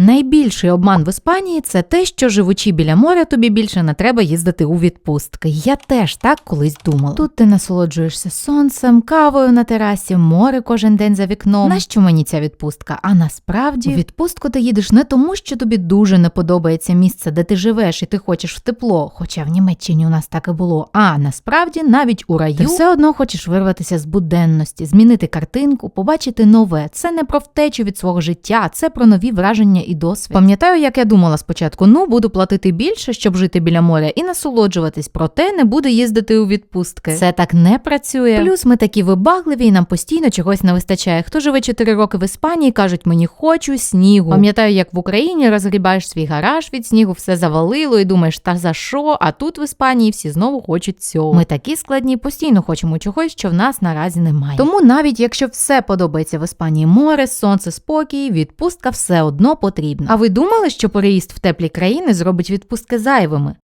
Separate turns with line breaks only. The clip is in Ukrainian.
Найбільший обман в Іспанії – це те, що живучи біля моря, тобі більше не треба їздити у відпустки. Я теж так колись думала. Тут ти насолоджуєшся сонцем, кавою на терасі, море кожен день за вікном. Нащо мені ця відпустка? А насправді, у відпустку ти їдеш не тому, що тобі дуже не подобається місце, де ти живеш і ти хочеш в тепло, хоча в Німеччині у нас так і було, а насправді навіть у раю ти все одно хочеш вирватися з буденності, змінити картинку, побачити нове. Це не про втечу від свого життя, це про нові враження і досвід. Пам'ятаю, як я думала спочатку, буду платити більше, щоб жити біля моря і насолоджуватись, проте не буду їздити у відпустки. Це так не працює. Плюс ми такі вибагливі і нам постійно чогось не вистачає. Хто живе 4 роки в Іспанії, кажуть, мені хочу снігу. Пам'ятаю, як в Україні розгрібаєш свій гараж від снігу, все завалило і думаєш, та за що? А тут в Іспанії всі знову хочуть цього. Ми такі складні, постійно хочемо чогось, що в нас наразі немає. Тому навіть якщо все подобається в Іспанії, море, сонце, спокій, відпустка все одно потрібна. А ви думали, що переїзд в теплі країни зробить відпустки зайвими?